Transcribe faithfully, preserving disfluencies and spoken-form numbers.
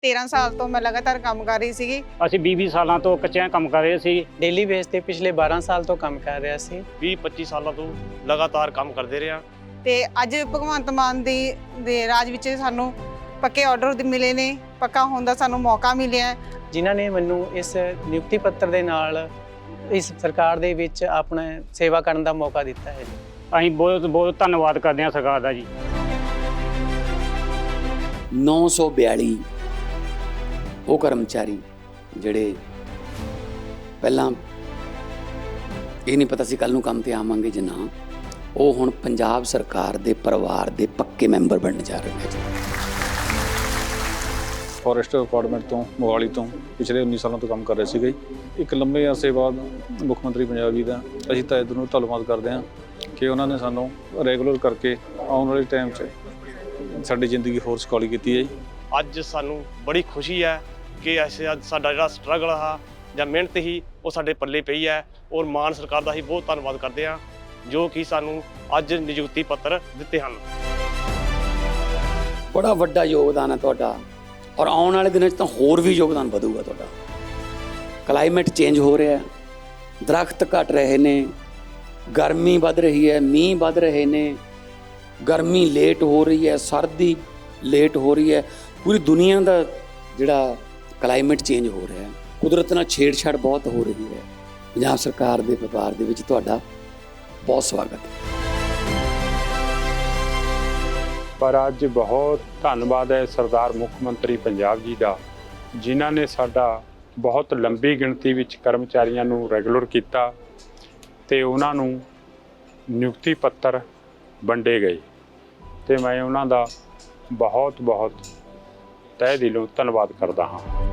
तेरह साल तो मैं लगातार काम कर रही सी। ਅਸੀਂ ਵੀਹ ਵੀਹ ਸਾਲਾਂ ਤੋਂ ਕੱਚਿਆਂ ਕੰਮ ਕਰ ਰਹੇ ਸੀ। डेली बेस ते पिछले बारह साल तो काम कर रहा सी। ਵੀਹ ਪੱਚੀ ਸਾਲਾਂ ਤੋਂ ਲਗਾਤਾਰ ਕੰਮ ਕਰਦੇ ਰਹੇ ਹਾਂ। ਤੇ ਅੱਜ ਭਗਵੰਤ ਮਾਨ ਦੀ ਦੇ ਰਾਜ ਵਿੱਚ ਸਾਨੂੰ ਪੱਕੇ ਆਰਡਰ ਮਿਲੇ ਨੇ, ਪੱਕਾ ਹੋਣ ਦਾ ਸਾਨੂੰ ਮੌਕਾ ਮਿਲਿਆ। ਜਿਨ੍ਹਾਂ ਨੇ ਮੈਨੂੰ ਇਸ ਨਿਯੁਕਤੀ ਪੱਤਰ ਦੇ ਨਾਲ ਇਸ ਸਰਕਾਰ ਦੇ ਵਿੱਚ ਆਪਣਾ ਸੇਵਾ ਕਰਨ ਦਾ ਮੌਕਾ ਦਿੱਤਾ ਹੈ। ਅਸੀਂ ਬਹੁਤ ਬਹੁਤ ਧੰਨਵਾਦ ਕਰਦੇ ਹਾਂ ਸਰਕਾਰ ਦਾ ਜੀ। नौ सौ बयाली ਉਹ ਕਰਮਚਾਰੀ ਜਿਹੜੇ ਪਹਿਲਾਂ ਇਹ ਨਹੀਂ ਪਤਾ ਸੀ ਕੱਲ ਨੂੰ ਕੰਮ ਤੇ ਆਵਾਂਗੇ ਜਾਂ ਨਾ, ਉਹ ਹੁਣ ਪੰਜਾਬ ਸਰਕਾਰ ਦੇ ਪਰਿਵਾਰ ਦੇ ਪੱਕੇ ਮੈਂਬਰ ਬਣਨ ਜਾ ਰਹੇ ਨੇ। ਫੋਰੈਸਟ ਡਿਪਾਰਟਮੈਂਟ ਤੋਂ ਮੋਹਾਲੀ ਤੋਂ ਪਿਛਲੇ ਉੱਨੀ ਸਾਲਾਂ ਤੋਂ ਕੰਮ ਕਰ ਰਹੇ ਸੀਗੇ। ਇੱਕ ਲੰਬੇ ਅਰਸੇ ਬਾਅਦ ਮੁੱਖ ਮੰਤਰੀ ਪੰਜਾਬ ਜੀ ਦਾ ਅਸੀਂ ਤਾਂ ਇੱਧਰ ਨੂੰ ਧੰਨਵਾਦ ਕਰਦੇ ਹਾਂ ਕਿ ਉਹਨਾਂ ਨੇ ਸਾਨੂੰ ਰੈਗੂਲਰ ਕਰਕੇ ਆਉਣ ਵਾਲੇ ਟਾਈਮ 'ਚ ਸਾਡੀ ਜ਼ਿੰਦਗੀ ਹੋਰ ਸੁਖਾਲੀ ਕੀਤੀ ਹੈ। ਅੱਜ ਸਾਨੂੰ ਬੜੀ ਖੁਸ਼ੀ ਹੈ ਕਿ ਅਸੀਂ ਅੱਜ ਸਾਡਾ ਜਿਹੜਾ ਸਟਰਗਲ ਆ ਜਾਂ ਮਿਹਨਤ ਹੀ ਉਹ ਸਾਡੇ ਪੱਲੇ ਪਈ ਹੈ, ਔਰ ਮਾਨ ਸਰਕਾਰ ਦਾ ਹੀ ਬਹੁਤ ਧੰਨਵਾਦ ਕਰਦੇ ਹਾਂ ਜੋ ਕਿ ਸਾਨੂੰ ਅੱਜ ਨਿਯੁਕਤੀ ਪੱਤਰ ਦਿੱਤੇ ਹਨ। ਬੜਾ ਵੱਡਾ ਯੋਗਦਾਨ ਹੈ ਤੁਹਾਡਾ, ਔਰ ਆਉਣ ਵਾਲੇ ਦਿਨਾਂ 'ਚ ਤਾਂ ਹੋਰ ਵੀ ਯੋਗਦਾਨ ਵਧੂਗਾ ਤੁਹਾਡਾ। ਕਲਾਈਮੇਟ ਚੇਂਜ ਹੋ ਰਿਹਾ, ਦਰਖਤ ਘਟ ਰਹੇ ਨੇ, ਗਰਮੀ ਵੱਧ ਰਹੀ ਹੈ, ਮੀਂਹ ਵੱਧ ਰਹੇ ਨੇ, ਗਰਮੀ ਲੇਟ ਹੋ ਰਹੀ ਹੈ, ਸਰਦੀ ਲੇਟ ਹੋ ਰਹੀ ਹੈ। ਪੂਰੀ ਦੁਨੀਆ ਦਾ ਜਿਹੜਾ ਕਲਾਈਮੇਟ ਚੇਂਜ ਹੋ ਰਿਹਾ ਹੈ, ਕੁਦਰਤ ਨਾਲ ਛੇੜਛਾੜ ਬਹੁਤ ਹੋ ਰਹੀ ਹੈ। ਪੰਜਾਬ ਸਰਕਾਰ ਦੇ ਵਪਾਰ ਦੇ ਵਿੱਚ ਤੁਹਾਡਾ ਬਹੁਤ ਸਵਾਗਤ ਹੈ। ਪਰ ਅੱਜ ਬਹੁਤ ਧੰਨਵਾਦ ਹੈ ਸਰਦਾਰ ਮੁੱਖ ਮੰਤਰੀ ਪੰਜਾਬ ਜੀ ਦਾ, ਜਿਨ੍ਹਾਂ ਨੇ ਸਾਡਾ ਬਹੁਤ ਲੰਬੀ ਗਿਣਤੀ ਵਿੱਚ ਕਰਮਚਾਰੀਆਂ ਨੂੰ ਰੈਗੂਲਰ ਕੀਤਾ ਤੇ ਉਹਨਾਂ ਨੂੰ ਨਿਯੁਕਤੀ ਪੱਤਰ ਵੰਡੇ ਗਏ ਤੇ ਮੈਂ ਉਹਨਾਂ ਦਾ ਬਹੁਤ ਬਹੁਤ ਤਹਿ ਦਿਲੋਂ ਧੰਨਵਾਦ ਕਰਦਾ ਹਾਂ।